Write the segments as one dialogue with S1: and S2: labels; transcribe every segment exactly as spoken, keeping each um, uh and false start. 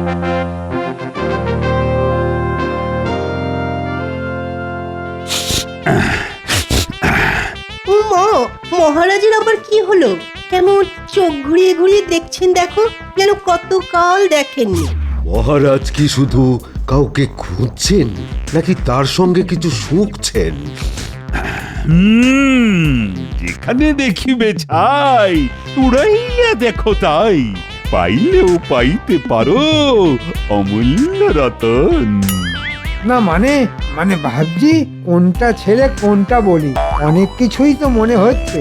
S1: মা, মহারাজের আবার কি হলো? কেমন চোখ ঘুরিয়ে ঘুরিয়ে দেখছেন? দেখো, যেন কতকাল দেখেননি।
S2: মহারাজ কি শুধু কাউকে খুঁজছেন নাকি তার সঙ্গে কিছু শুঁকছেন?
S3: হুম, যেখানে দেখিবে ছাই উড়াইয়া দেখো তাই, পাইলেও পাইতে পারো অমূল্য রতন।
S4: না মানে মানে ভাবছি কোনটা ছেড়ে কোনটা বলি, অনেক কিছুই তো মনে হচ্ছে।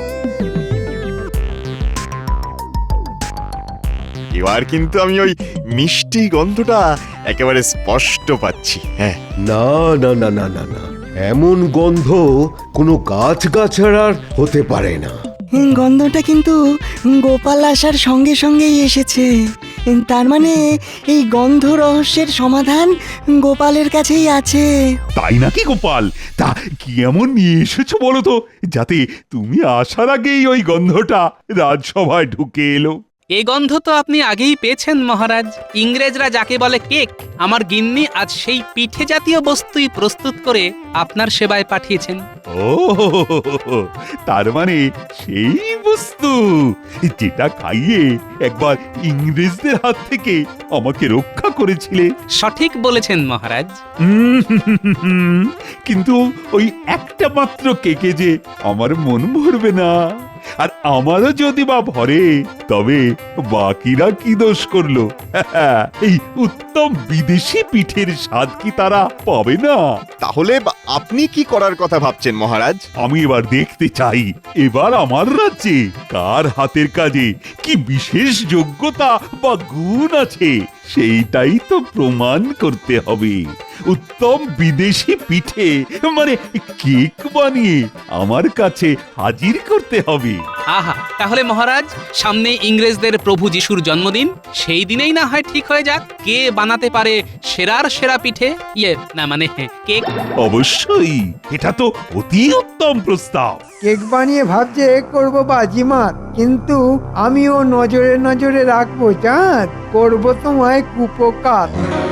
S5: এবার কিন্তু আমি ওই মিষ্টি গন্ধটা একেবারে স্পষ্ট পাচ্ছি। হ্যাঁ,
S2: না না না না না না, এমন গন্ধ কোনো গাছ গাছড়ার হতে পারে না।
S6: গন্ধটা কিন্তু গোপাল আসার সঙ্গে সঙ্গেই এসেছে। তার মানে এই গন্ধ রহস্যের সমাধান গোপালের কাছেই আছে।
S3: তাই নাকি গোপাল? তা কি এমন নিয়ে এসেছো বলো তো, যাতে তুমি আসার আগেই ওই গন্ধটা রাজসভায় ঢুকে এলো?
S7: এই গন্ধ তো আপনি আগেই পেয়েছেন মহারাজ। ইংরেজরা যাকে বলে কেক, আমার গিন্নি আজ সেই পিঠে জাতীয় বস্তুই প্রস্তুত করে আপনার সেবায় পাঠিয়েছেন।
S3: ও, তার মানে সেই বস্তু যেটা খাইয়ে একবার ইংরেজদের হাত থেকে আমাকে রক্ষা করেছিলে।
S7: সঠিক বলেছেন মহারাজ।
S3: উম, কিন্তু ওই একটা মাত্র কেকে যে আমার মন ভরবে না, আর আমারও যদি বা ভরে তবে বাকিরা কি দোষ করলো? এই উত্তম বিদেশি পিঠের স্বাদ কি তারা পাবে না?
S5: তাহলে বা- আপনি কি করার কথা ভাবছেন মহারাজ?
S3: আমি এবার দেখতে চাই এবার আমার রাজ্যে কার হাতের কাজে কি বিশেষ যোগ্যতা বা গুণ আছে, সেইটাই তো প্রমাণ করতে হবে। উত্তম বিদেশি পিঠে মানে কেক বানিয়ে আমার কাছে হাজির করতে হবে।
S7: আহা, তাহলে মহারাজ সামনে ইংরেজদের প্রভু যিশুর জন্মদিন, সেই দিনেই না হয় ঠিক হয়ে যাক কে বানাতে পারে সেরার সেরা পিঠে, ইয়ে না মানে কেক।
S3: অবশ্যই, এটা তো অতি উত্তম প্রস্তাব।
S4: কেক বানিয়ে ভাবছে করবো বাজিমাত, কিন্তু আমিও নজরে নজরে রাখবো, চাঁদ করবো তোমায় কুপকার।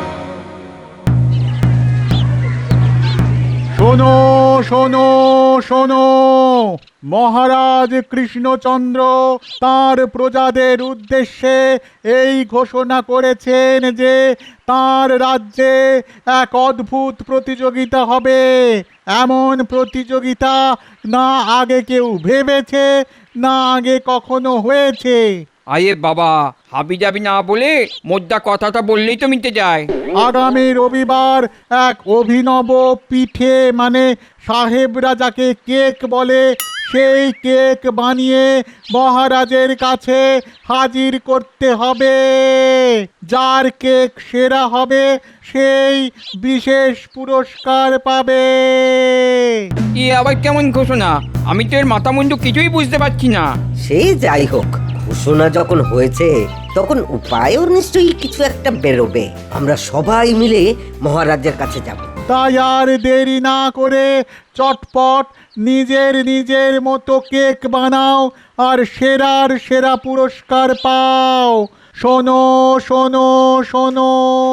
S8: শোনো শোনো শোনো, মহারাজ কৃষ্ণচন্দ্র তার প্রজাদের উদ্দেশ্যে এই ঘোষণা করেছেন যে তার রাজ্যে এক অদ্ভুত প্রতিযোগিতা হবে। এমন প্রতিযোগিতা না আগে কেউ ভেবেছে, না আগে কখনো হয়েছে।
S9: আয়ে বাবা, হাবি যাবি না বলে মোদ্দা কথাটা বললেই তো মিটে যায়।
S8: আগামী রবিবার এক অভিনব পিঠে মানে সাহেবরা যাকে কেক বলে, সেই কেক বানিয়ে মহারাজের কাছে হাজির করতে হবে। যার কেক সেরা হবে সেই বিশেষ পুরস্কার পাবে।
S9: এ আবার কেমন ঘোষণা? আমি তো এর মাথা মুন্ডু কিছুই বুঝতে পারছি না।
S10: সে যাই হোক, ঘোষণা যখন হয়েছে তখন উপায়ও নিশ্চয়ই কিছু একটা বেরোবে। আমরা সবাই মিলে মহারাজের কাছে যাব।
S8: তাই আর দেরি না করে চটপট নিজের নিজের মতো কেক বানাও আর সেরার সেরা পুরস্কার পাও। শোনো শোনো শোনো,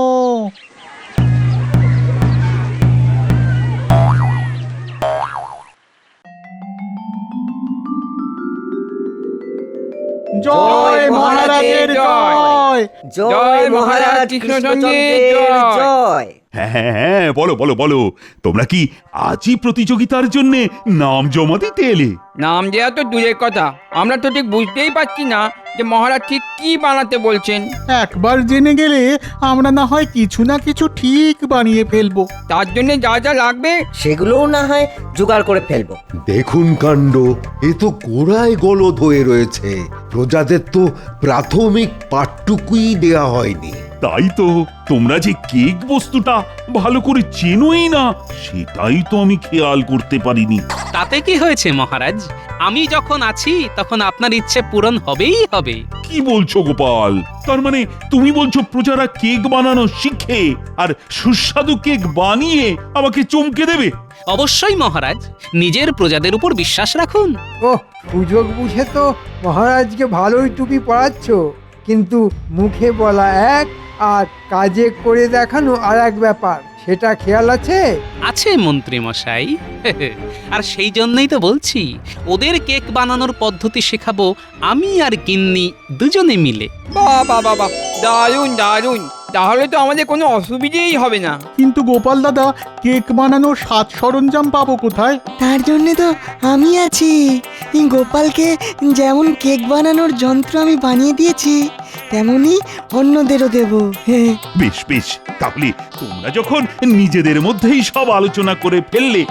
S8: জয় মহারাজের জয়,
S10: জয় মহারাজ কৃষ্ণচন্দ্রের জয়।
S3: হ্যাঁ হ্যাঁ হ্যাঁ, বলো বলো বলো, তোমরা কি আজই প্রতিযোগিতার জন্য নাম জমা দিতে এলে?
S9: নাম দেওয়া তো দূরের কথা, আমরা তো ঠিক বুঝতেই পারছি না যে মহারাজ ঠিক কি বানাতে বলছেন।
S8: একবার জেনে গেলে আমরা না হয় কিছু না কিছু ঠিক বানিয়ে ফেলবো।
S9: তার জন্য যা যা লাগবে
S10: সেগুলোও না হয় জোগাড় করে ফেলবো।
S2: দেখুন কাণ্ড, এ তো গোড়ায় গলদ হয়ে রয়েছে। প্রজাদের তো প্রাথমিক পাঠটুকুই দেয়া হয়নি।
S3: তাই তো, তোমরা যে কেক বস্তুটা ভালো করে চেনোই না, সেটাই তো আমি খেয়াল করতে পারিনি।
S7: তাতে কি হয়েছে মহারাজ? আমি যখন আছি তখন আপনার ইচ্ছে পূরণ হবেই হবে।
S3: কি বলছো গোপাল? তার মানে তুমি বলছো প্রজারা কেক বানানো শিখে আর সুস্বাদু কেক বানিয়ে আমাকে চমকে দেবে?
S7: অবশ্যই মহারাজ, নিজের প্রজাদের উপর বিশ্বাস রাখুন।
S4: ও, সুযোগ বুঝে তো মহারাজকে ভালোই টুপি পরাচ্ছ, কিন্তু মুখে বলা এক, আর কাজে করে দেখানো আর এক ব্যাপার, সেটা খেয়াল আছে?
S7: আছে মন্ত্রী মশাই। আর সেই জন্যই তো বলছি, ওদের কেক বানানোর পদ্ধতি শেখাবো আমি আর গিন্নি দুজনে মিলে।
S9: বাহ বাহ বাহ বাহ, দারুণ দারুণ। তাহলে তো আমাদের কোনো অসুবিধেই হবে না।
S8: কিন্তু গোপাল দাদা, কেক বানানোর সাজ সরঞ্জাম পাবো কোথায়?
S6: তার জন্যে তো আমি আছি। এই গোপালকে যেমন কেক বানানোর যন্ত্র আমি বানিয়ে দিয়েছি, তেমনি অন্যদেরও দেব। হ্যাঁ,
S3: বেশ বেশ, তাহলে তোমরা যখন নিজেদের মধ্যেই সব আলোচনা করে ফেললে,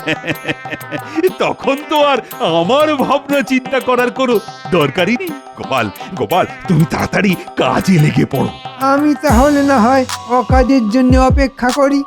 S3: তখন তো আর আমার ভাবনা চিন্তা করার কোনো দরকারই নেই। গোপাল গোপাল তুমি তাড়াতাড়ি কাজে লেগে পড়ো।
S4: আমি তাহলে না হয় অকাজের জন্য অপেক্ষা করি।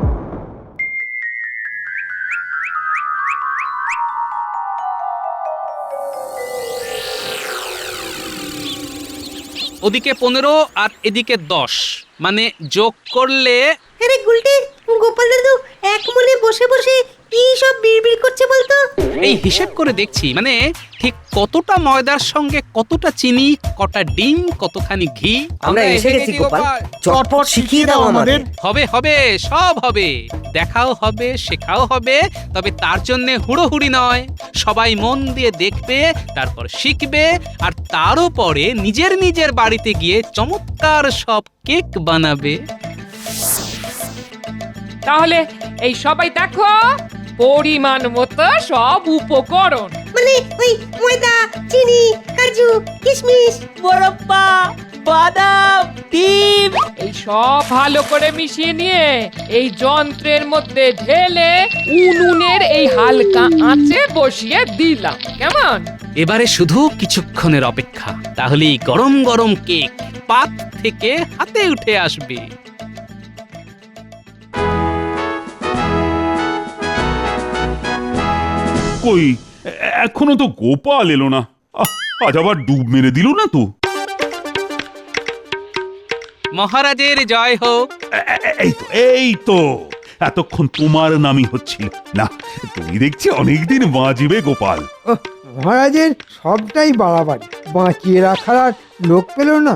S7: ওদিকে পনেরো আর এদিকে দশ, মানে যোগ করলে
S1: আরে গুলটে, গোপাল দাদু এক মনে বসে বসে কি সব বিড়বিড় করছে বলতো?
S7: এই হিসেব করে দেখছি, মানে ঠিক কতটা ময়দার সঙ্গে কতটা চিনি, কটা ডিম, কতখানি ঘি।
S10: আমরা এসে গেছি গোপাল, চটপট শিখিয়ে দাও আমাদের।
S7: হবে হবে, সব হবে, দেখাও হবে, শেখাও হবে। তবে তার জন্য হুড়োহুড়ি নয়, সবাই মন দিয়ে দেখবে, তারপর শিখবে, আর তারও পরে নিজের নিজের বাড়িতে গিয়ে চমৎকার সব কেক বানাবে।
S11: তাহলে এই সবাই দেখো, পরিমাণ মতো সব উপকরণ,
S1: মানে ওই ময়দা, চিনি, কাজু, কিশমিশ,
S11: বরফা, বাদাম, ডিম, এই সব ভালো করে মিশিয়ে নিয়ে এই যন্ত্রের মধ্যে ঢেলে উনুনের এই হালকা আঁচে বসিয়ে দিলাম। কেমন?
S7: এবারে শুধু কিছুক্ষণের অপেক্ষা, তাহলেই গরম গরম কেক পাত থেকে হাতে উঠে আসবে।
S3: কই, এ- এখনো তো গোপাল এলো না। আহ, আজ আবার ডুব মেরে দিল না তো?
S7: মহারাজের জয় হোক।
S3: এ- এ- এই তো এই তো এতক্ষণ তোমার নামই হচ্ছিল না। তুমি দেখছি অনেকদিন বাঁচবে গোপাল।
S4: ওহ, মহারাজের সবটাই বাড়াবাড়ি, বাঁচিয়ে রাখার আর লোক পেল না।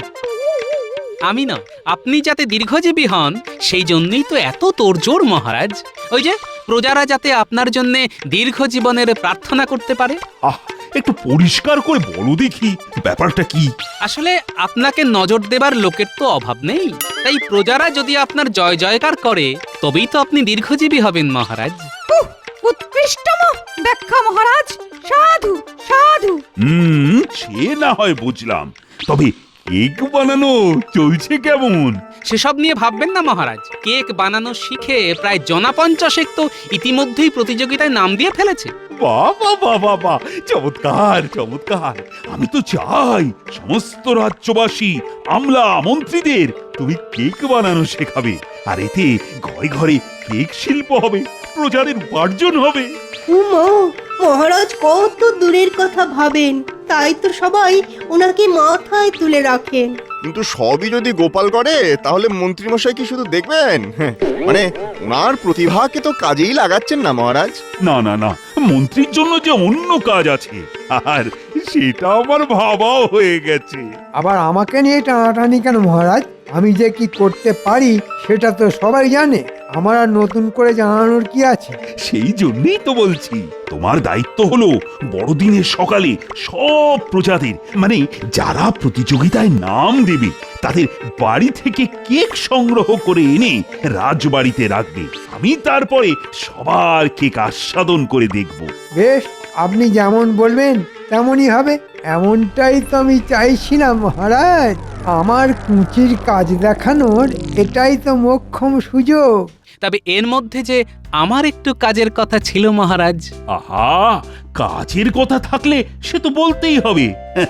S7: আমি না, আপনি যাতে দীর্ঘজীবী হন সেই জন্যই তো এত তোড়জোড় মহারাজ। ওই যে প্রজারা যাতে আপনার জন্য দীর্ঘ জীবনের প্রার্থনা করতে পারে।
S3: আহ, একটু পরিষ্কার করে বলো দেখি ব্যাপারটা কি।
S7: আসলে আপনাকে নজর দেবার লোকের তো অভাব নেই, তাই প্রজারা যদি আপনার জয় জয়কার করে তবেই তো আপনি দীর্ঘজীবী হবেন মহারাজ।
S11: উৎকৃষ্টম ব্যাখ্যা মহারাজ, সাধু সাধু।
S3: হুম, সে না হয় বুঝলাম, তবে কেক বানানো চলছে কেমন?
S7: সেসব নিয়ে ভাববেন না মহারাজ। কেক বানানো শিখে প্রায় জনা পঞ্চাশেক তো ইতিমধ্যেই প্রতিযোগিতায় নাম দিয়ে ফেলেছে।
S3: বাবা বাবা বাবা, চমৎকার চমৎকার। আমি তো চাই সমস্ত রাজ্যবাসী, আমলা মন্ত্রীদের তুমি কেক বানানো শেখাবে, আর এতে ঘরে ঘরে কেক শিল্প হবে, প্রজাদের উপার্জন হবে।
S1: উমা, মহারাজ কত দূরের কথা ভাবেন, তাই তো সবাই ওনাকে মাথায় তুলে রাখেন।
S5: কিন্তু সবই যদি গোপাল করে তাহলে মন্ত্রীমশাই কি শুধু দেখবেন? হ্যাঁ, মানে ওনার প্রতিভাকে তো কাজেই লাগাচ্ছেন না মহারাজ।
S3: না না না, মন্ত্রীর জন্য যে অন্য কাজ আছে, আর সেটা আমার ভাবাও হয়ে গেছে।
S4: আবার আমাকে নিয়ে টানাটানি কেন মহারাজ? আমি যে কি করতে পারি সেটা তো সবাই জানে, আমার আর নতুন করে জানানোর কি আছে?
S3: সেই জন্যই তো বলছি, তোমার দায়িত্ব হলো বড়দিনের সকালে সব প্রজাদের, মানে যারা প্রতিযোগিতায় নাম দেবে তাদের বাড়ি থেকে কেক সংগ্রহ করে এনে রাজবাড়িতে রাখবে। আমি তারপরে সবার কেক আস্বাদন করে দেখব।
S4: বেশ, আপনি যেমন বলবেন তেমনই হবে। এমনটাই তো আমি চাইছিলাম মহারাজ। আমার কুঁচির কাজ দেখানোর এটাই তো মোক্ষম সুযোগ।
S7: তবে এর মধ্যে যে আমার একটু কাজের কথা ছিল মহারাজ।
S3: আহা, কাজের কথা থাকলে সে তো বলতেই হবে।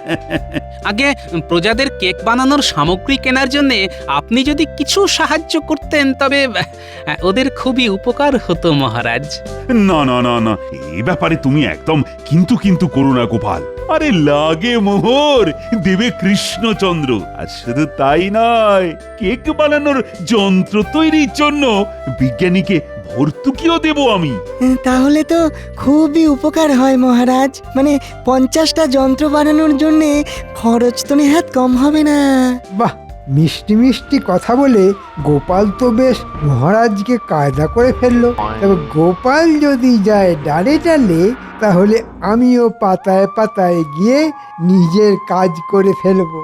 S7: আগে প্রজাদের কেক বানানোর সামগ্রী কেনার জন্য আপনি যদি কিছু সাহায্য করতেন তবে আহ, ওদের খুবই উপকার হতো মহারাজ।
S3: না না না না, এই ব্যাপারে তুমি একদম কিন্তু কিন্তু করো না গোপাল। আরে লাগে মোহর, দেবে কৃষ্ণচন্দ্র। আর শুধু তাই নয়, কেক বানানোর যন্ত্র তৈরির জন্য বিজ্ঞানীকে ভর্তুকিও দেব আমি।
S6: তাহলে তো খুবই উপকার হয় মহারাজ। মানে পঞ্চাশটা যন্ত্র বানানোর জন্যে খরচ তো নেহাত কম হবে না।
S4: বাহ, মিষ্টি মিষ্টি কথা বলে গোপাল তো বেশ মহারাজকে কায়দা করে ফেললো। তবে গোপাল যদি যায় ডালে ডালে, তাহলে আমিও পাতায় পাতায় গিয়ে নিজের কাজ করে ফেলবো।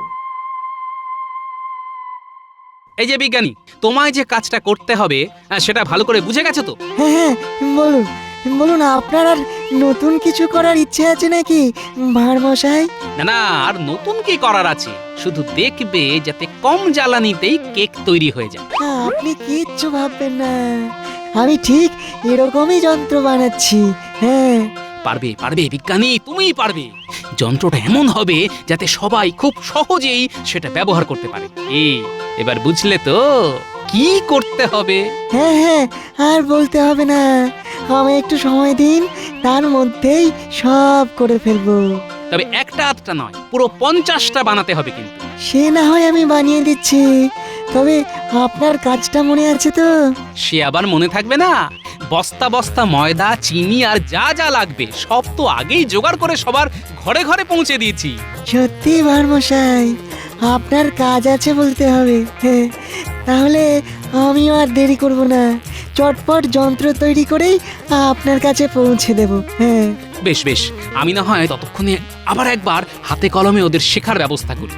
S7: এই যে বিজ্ঞানী, তোমায় যে কাজটা করতে হবে আহ, সেটা ভালো করে বুঝে গেছো তো?
S6: হ্যাঁ হ্যাঁ বলুন বলুন, আপনার আর নতুন কিছু করার ইচ্ছে আছে নাকি ভাঁড় মশাই?
S7: না না, আর নতুন কি করার আছে, শুধু দেখবে যাতে কম জ্বালানিতেই কেক তৈরি হয়ে যায়।
S6: আপনি কিচ্ছু ভাববেন না, আমি ঠিক এরকমই যন্ত্র বানাচ্ছি। হ্যাঁ
S7: পারবে পারবে বিজ্ঞানী, তুমিই পারবে। যন্ত্রটা এমন হবে যাতে সবাই খুব সহজেই সেটা ব্যবহার করতে পারে। এই এবার বুঝলে তো কি করতে হবে?
S6: হ্যাঁ হ্যাঁ, আর বলতে হবে না, আমি একটু সময় দিন, তার মধ্যেই সব করে ফেলবো।
S7: তবে একটা আধটা নয়, পুরো পঞ্চাশটা বানাতে হবে কিন্তু।
S6: সে না হয় আমি বানিয়ে দিচ্ছি, তবে আপনার কাজটা মনে আছে তো?
S7: সে আবার মনে থাকবে না? বস্তা বস্তা ময়দা, চিনি আর যা যা লাগবে সব তো আগেই জোগাড় করে সবার ঘরে ঘরে পৌঁছে দিয়েছি।
S6: সত্যি ভারমশাই, আপনার কাজ আছে বলতে হবে। হ্যাঁ, তাহলে আমিও আর দেরি করব না, চটপট যন্ত্র তৈরি করেই আপনার কাছে পৌঁছে দেব। হ্যাঁ
S7: বেশ বেশ, আমি না হয় ততক্ষণে আবার একবার হাতে কলমে ওদের শেখার ব্যবস্থা করি।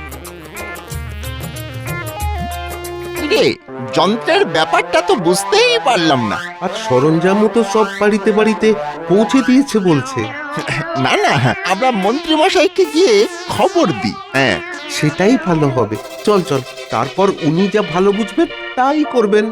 S5: রে, যন্ত্রের ব্যাপারটা তো বুঝতেই পারলাম না।
S2: আর সরঞ্জামও তো সব বাড়িতে বাড়িতে পৌঁছে দিয়েছে বলছে।
S5: না না, আমরা মন্ত্রী মশাইকে গিয়ে খবর দিই। হ্যাঁ,
S2: সেটাই ভালো হবে। চল চল, তারপর উনি যা ভালো বুঝবেন তাই করবেন।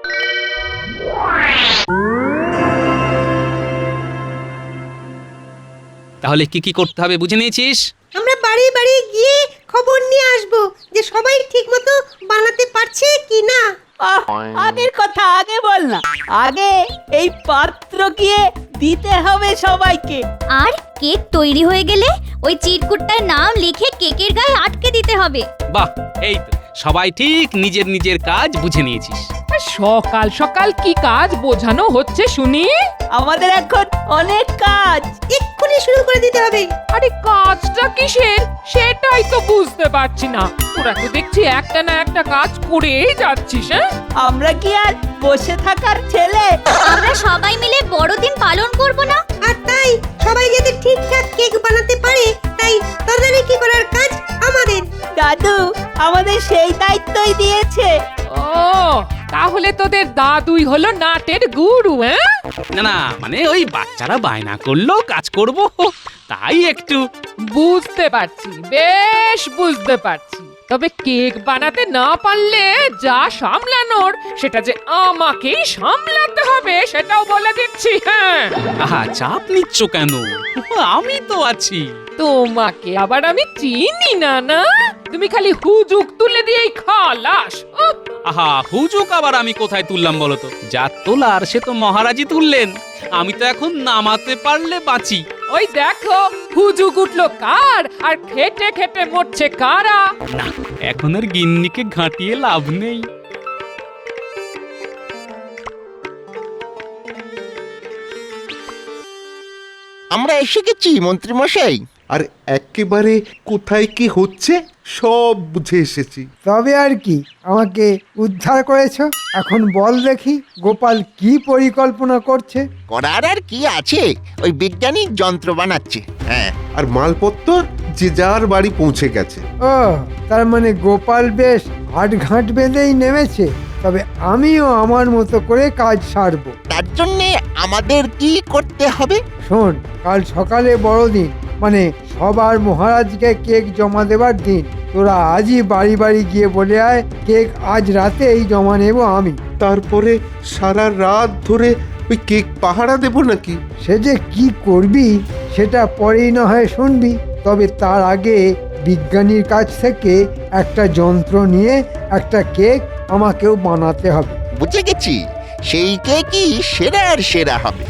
S7: তাহলে কি কি করতে হবে বুঝে নিয়েছিস?
S1: আমরা বাড়ি বাড়ি গিয়ে খবর নিয়ে আসবো যে সবাই ঠিকমতো বানাতে পারছে কি না।
S12: আগের কথা আগে বল না, আগে এই পাত্র গিয়ে দিতে হবে সবাইকে।
S13: আর কেক তৈরি হয়ে গেলে ওই চিরকুটটার নাম লিখে কেকের গায়ে আটকে দিতে হবে।
S7: বাহ, এই তো সবাই ঠিক নিজের নিজের কাজ বুঝে নিয়েছিস।
S11: সকাল সকাল কি কাজ বোঝানো হচ্ছে শুনি?
S12: আমাদের এখন অনেক কাজ,
S1: এক্ষুনি শুরু করে দিতে হবে।
S11: আরে কাজটা কিসের সেটাই তো বুঝতে পারছি না। তোরা তো দেখছি একটা না একটা কাজ করেই যাচ্ছিস। হ্যাঁ,
S12: আমরা কি আর বসে থাকার ছেলে?
S13: আমরা সবাই মিলে বড়দিন পালন করব না?
S1: আর তাই সবাই যাতে ঠিকঠাক কেক বানাতে পারে, তাই তদারকি করার কাজ আমাদের।
S12: দাদু আমাদের সেই দায়িত্বই দিয়েছে।
S11: ও, তাহলে তোদের দাদুই হলো নাটের গুরু? হ্যাঁ,
S7: না না, মানে ওই বাচ্চারা বায়না করলো কাজ করব, তাই একটু।
S11: বুঝতে পারছি, বেশ বুঝতে পারছি। তবে কেক বানাতে না পারলে যা সামলানোর সেটা যে আমাকেই সামলাতে হবে, সেটাও বলে দিচ্ছি। হ্যাঁ,
S7: আহা, চাপ নিচ্ছ কেন? আমি তো আছি।
S11: তোমাকে আবার আমি চিনি না না, তুমি খালি হুজুক তুলে দিয়েই খালাস। উহ,
S7: আহা, হুজুক আবার আমি কোথায় তুললাম বলো তো? যা তোলার সে তো মহারাজই তুললেন, আমি তো এখন নামাতে পারলে বাঁচি।
S11: ওই দেখো হুজুক উঠলো কার, আর খেটে খেটে মরছে কারা।
S7: না, এখন আর গিন্নিকে ঘাঁটিয়ে লাভ নেই।
S5: আমরা এসে গেছি মন্ত্রী মশাই।
S2: আর একেবারে কোথায় কি হচ্ছে সব বুঝে এসেছি।
S4: তবে আর কি, আমাকে উদ্ধার করেছো। এখন বল দেখি গোপাল কি পরিকল্পনা করছে।
S5: করার আর কি আছে, ওই বিজ্ঞানী যন্ত্র বানাচ্ছে। হ্যাঁ,
S2: আর মালপত্র যে যার বাড়ি পৌঁছে গেছে।
S4: ও, তার মানে গোপাল বেশ হাটঘাট বেঁধেই নেমেছে। তবে আমিও আমার মতো করে কাজ সারবো।
S5: তার জন্যে আমাদের কি করতে হবে?
S4: শোন, কাল সকালে বড়দিন, মানে সবার মহারাজকে কেক জমা দেবার দিন। তোরা আজই বাড়ি বাড়ি গিয়ে বলে আয় কেক আজ রাতেই জমা নেব আমি।
S2: তারপরে সারা রাত ধরে ওই কেক পাহারা দেব নাকি?
S4: সে যে কি করবি সেটা পরেই না হয় শুনবি। তবে তার আগে বিজ্ঞানীর কাছ থেকে একটা যন্ত্র নিয়ে একটা কেক আমাকেও বানাতে হবে।
S5: বুঝে গেছি, সেই কেকই সেরার সেরা হবে।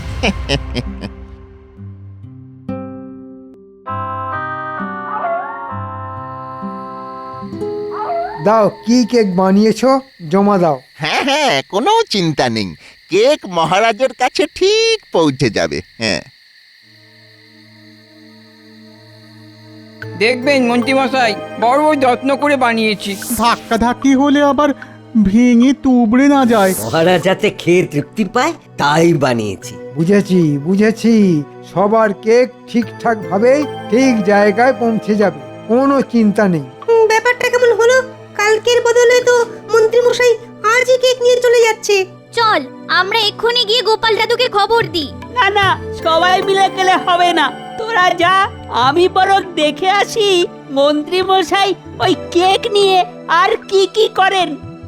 S4: দাও, কি কেক বানিয়েছো জমা দাও।
S5: হ্যাঁ হ্যাঁ, কোনো চিন্তা নেই, কেক মহারাজের কাছে ঠিক পৌঁছে যাবে। হ্যাঁ,
S9: দেখবেন মন্ত্রীমশাই বড় যত্ন করে বানিয়েছি।
S8: ধাক্কা ধাক্কি হলে আবার ভেঙে তুবড়ে না যায়।
S10: মহারাজ যাতে খেয়ে তৃপ্তি পায় তাই বানিয়েছি।
S4: বুঝেছি বুঝেছি সবার কেক ঠিকঠাক ভাবে ঠিক জায়গায় পৌঁছে যাবে, কোনো চিন্তা নেই।
S1: হুম, ব্যাপারটা কেমন হলো? কালকের বদলে তো মন্ত্রী মশাই আজই কেক নিয়ে চলে যাচ্ছে।
S13: চল আমরা এক্ষুনি গিয়ে গোপাল দাদুকে খবর দিই।
S12: না না, সবাই মিলে গেলে হবে না, তোরা যা, আমি বরং দেখে আসি মন্ত্রী মশাই ওই কেক নিয়ে আর কি কি করেন।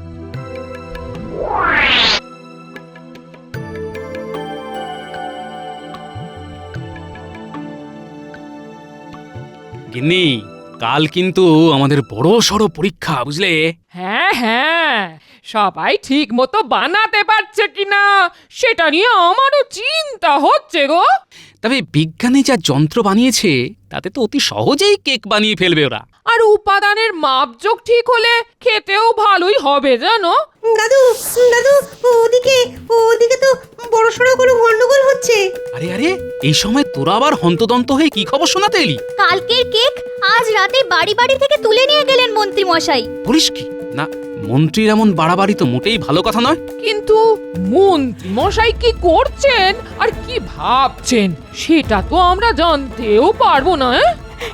S7: গিন্নি, কাল কিন্তু আমাদের বড় সড়ো পরীক্ষা, বুঝলে?
S11: হ্যাঁ হ্যাঁ, সবাই ঠিক মতো বানাতে পারছে কিনা সেটা নিয়ে আমারও চিন্তা হচ্ছে গো।
S7: তবে বিজ্ঞানী যা যন্ত্র বানিয়েছে তাতে তো অতি সহজেই কেক বানিয়ে ফেলবে ওরা।
S11: আর উপাদানের মাপজোক ঠিক হলে খেতেও ভালোই হবে জানো।
S1: দাদু দাদু ওদিকে ওদিকে তো বড় সড়ো কোনো গন্ডগোল হচ্ছে।
S7: আরে আরে, এই সময় তোরা আবার হন্তদন্ত হয়ে কি খবর শোনাতে এলি?
S13: কালকের কেক আজ রাতে বাড়ি বাড়ি থেকে তুলে নিয়ে গেলেন মন্ত্রী মশাই।
S7: বলিস কি? না, মন্ত্রীর এমন বাড়াবাড়ি তো মোটেই ভালো কথা নয়।
S11: কিন্তু মন্ত্রী মশাই কি করছেন আর কি ভাবছেন সেটা তো আমরা জানতেও পারবো না। এ?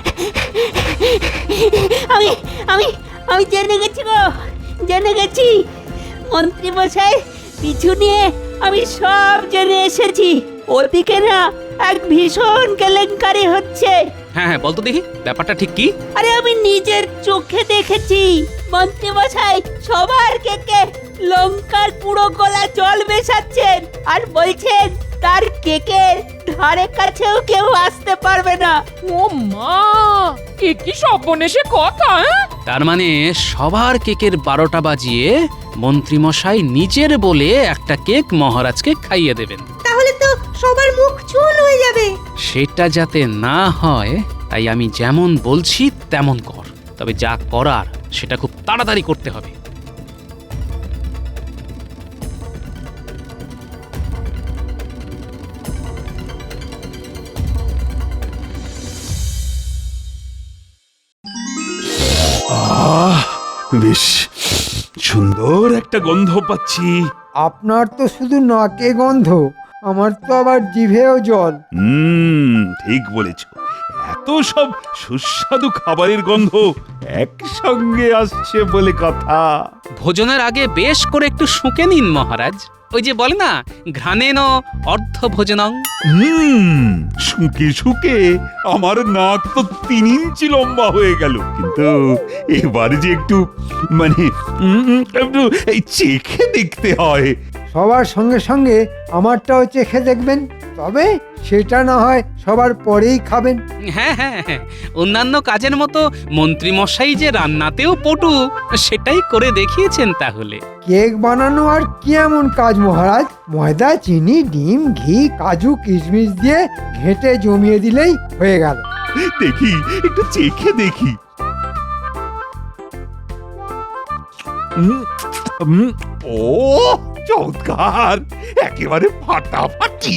S12: আমি আমি আমি জেনে গেছি গো, জেনে গেছি। মন্ত্রী মশাই পিছু নিয়ে আমি সব জেনে এসেছি। ওদিকে না এক ভীষণ কেলেঙ্কারি হচ্ছে।
S7: হ্যাঁ হ্যাঁ, বলতো দেখি ব্যাপারটা ঠিক কি?
S12: আরে আমি নিজের চোখে দেখেছি মন্ত্রী মশাই সবার কেকে লঙ্কার পুরো গলা জল মেশাচ্ছেন আর বলছেন তার কেকের ধারে কাছেও কেউ আসতে পারবে না।
S11: ও মা, কি কি সর্বনেশে কথা।
S7: তার মানে সবার কেকের বারোটা বাজিয়ে মন্ত্রী মশাই নিজের বলে একটা কেক মহারাজকে খাইয়ে দেবেন।
S1: তাহলে তো সবার মুখ চুল হয়ে যাবে।
S7: সেটা যাতে না হয় তাই আমি যেমন বলছি তেমন কর, তবে যা করার সেটা খুব তাড়াতাড়ি করতে হবে।
S3: আহ, বেশ সুন্দর একটা গন্ধ পাচ্ছি।
S4: আপনার তো শুধু নাকে গন্ধ, আমার তো আবার জিভেও জল।
S3: হুম, ঠিক বলেছ। এত সব সুস্বাদু খাবারের গন্ধ একসঙ্গে আসছে বলে কথা।
S7: ভোজনের আগে বেশ করে একটু শুঁকে নিন মহারাজ। ওই যে বলে না, ঘ্রাণেন অর্ধ ভোজনং।
S3: হুম, শুকে শুকে আমার নাক তো তিন ইঞ্চি লম্বা হয়ে গেল। কিন্তু এবার যে একটু মানে উম, একটু এই চেখে দেখতে হয়।
S4: সবার সঙ্গে সঙ্গে আমারটাও চেখে দেখবেন, তবে সেটা না হয় সবার পরেই খাবেন।
S7: হ্যাঁ হ্যাঁ হ্যাঁ, অন্যান্য কাজের মতো মন্ত্রী মশাই যে রান্নাতেও পটু, সেটাই করে দেখিয়েছেন তাহলে।
S4: কেক বানানো আর কি এমন কাজ মহারাজ? ময়দা, চিনি, ডিম, ঘি, কাজু, কিশমিশ দিয়ে ঘেঁটে জমিয়ে দিলেই হয়ে গেল।
S3: দেখি, একটু চেখে দেখি। উম, উম, ও চমৎকার, একেবারে ফাটাফাটি।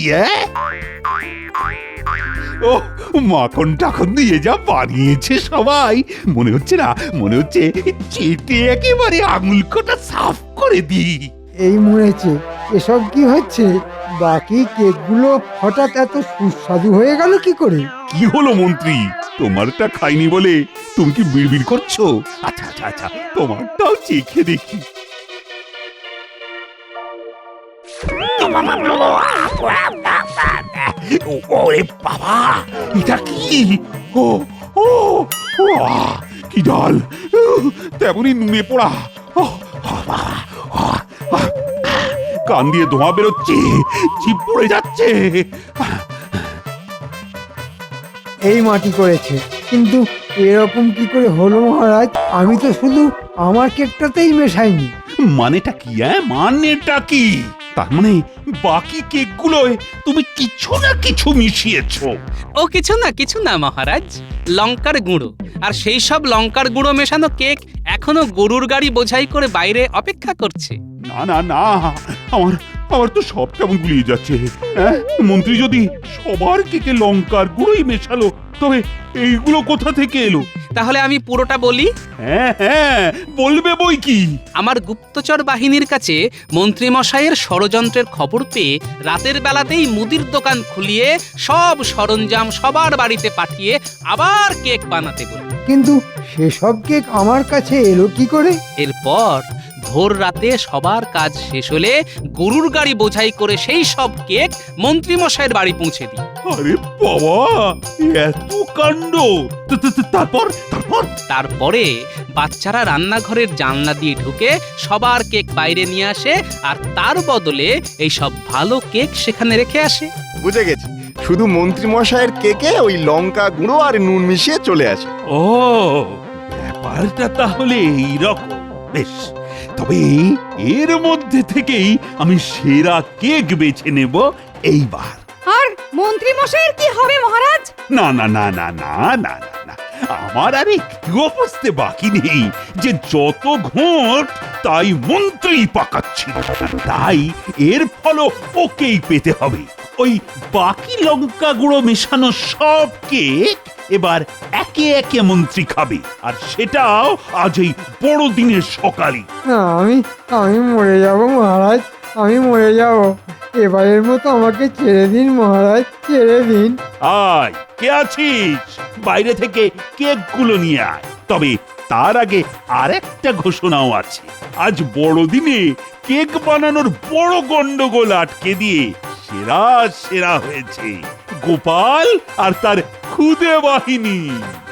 S3: ও মাখন টাখন দিয়ে যা বানিয়েছে সবাই, মনে হচ্ছে না, মনে হচ্ছে চেটে একেবারে আঙুল কটা সাফ করে দিই।
S4: এই মরেছে, এসব কি হচ্ছে? বাকি কেকগুলো হঠাৎ এত সুস্বাদু হয়ে গেল কি করে?
S3: কি হলো মন্ত্রী, তোমারটা খাইনি বলে তুমি কি বিড়বিড় করছো? আচ্ছা আচ্ছা আচ্ছা, তোমারটাও চেখে দেখি। ওরে বাবা, এটা কি? ও ও আহ, কি ডাল, তেমনি নুনে পোড়া। ও, বাবা, আহ, আহ, কান দিয়ে ধোঁয়া বেরোচ্ছে, জিভ পড়ে যাচ্ছে।
S4: এই মাটি করেছে, কিন্তু এরকম কি করে হলো মহারাজ? আমি তো শুধু আমার কেকটাতেই মেশাইনি।
S3: মানেটা কি? হ্যাঁ, মানেটা কি? তার মানে বাকি কেকগুলোয় তুমি কিছু না কিছু মিশিয়েছো।
S7: ও কিছু না কিছু না মহারাজ, লঙ্কার গুঁড়ো। আর সেই সব লঙ্কার গুঁড়ো মেশানো কেক এখনো গরুর গাড়ি বোঝাই করে বাইরে অপেক্ষা করছে।
S3: না না না, আমার আমার তো সব কেমন গুলিয়ে যাচ্ছে। হ্যাঁ, মন্ত্রী যদি সবার কেকে লঙ্কার গুঁড়োই মেশালো, তো তবে এইগুলো কোথা থেকে এলো?
S7: তাহলে আমি পুরোটা বলি।
S3: হ্যাঁ হ্যাঁ বলবে বই কি।
S7: আমার গুপ্তচর বাহিনীর কাছে মন্ত্রীমশাইয়ের ষড়যন্ত্রের খবর পেয়ে রাতের বেলাতেই মুদির দোকান খুলিয়ে সব সরঞ্জাম সবার বাড়িতে পাঠিয়ে আবার কেক বানাতে বলি।
S4: কিন্তু সেসব কেক আমার কাছে এলো কি করে?
S7: এরপর ভোর রাতে সবার কাজ শেষ হলে গরুর গাড়ি বোঝাই করে সেই সব কেক মন্ত্রীমশাইয়ের বাড়ি পৌঁছে দিই।
S3: আরে বাবা, এত কাণ্ড! তো- তো- তো তারপর তারপর
S7: তারপরে বাচ্চারা রান্নাঘরের জানলা দিয়ে ঢুকে সবার কেক বাইরে নিয়ে আসে আর তার বদলে এই সব ভালো কেক সেখানে রেখে আসে।
S5: বুঝে গেছি, শুধু মন্ত্রী মশাইয়ের কেকে ওই লঙ্কা গুঁড়ো আর নুন মিশিয়ে চলে আসে।
S3: ও, ব্যাপারটা তাহলে এইরকম। বেশ, তবে এর মধ্যে থেকেই আমি সেরা কেক বেছে নেব এইবার।
S13: আর মন্ত্রী মশাইয়ের কি হবে মহারাজ?
S3: না না না না না না না না, আমার আর একটুও বুঝতে বাকি নেই যে যত ঘোট তাই মন্ত্রী পাকাচ্ছি, তাই এর ফলও ওকেই পেতে হবে। ওই বাকি লঙ্কা গুঁড়ো মেশানো সব কেক এবার একে একে মন্ত্রী খাবে, আর সেটাও আজ এই বড়দিনের সকালে।
S4: না, আমি আমি মরে যাব মহারাজ, আমি মরে যাব। এবারের মতো আমাকে ছেড়ে দিন মহারাজ, ছেড়ে দিন।
S3: আয়, কে আছিস? বাইরে থেকে কেকগুলো নিয়ে আয়। তবে তার আগে আরেকটা ঘোষণাও আছে। আজ বড়দিনে কেক বানানোর বড় গন্ডগোল আটকে দিয়ে সেরা সেরা হয়েছে গোপাল আর তার খুদে বাহিনী।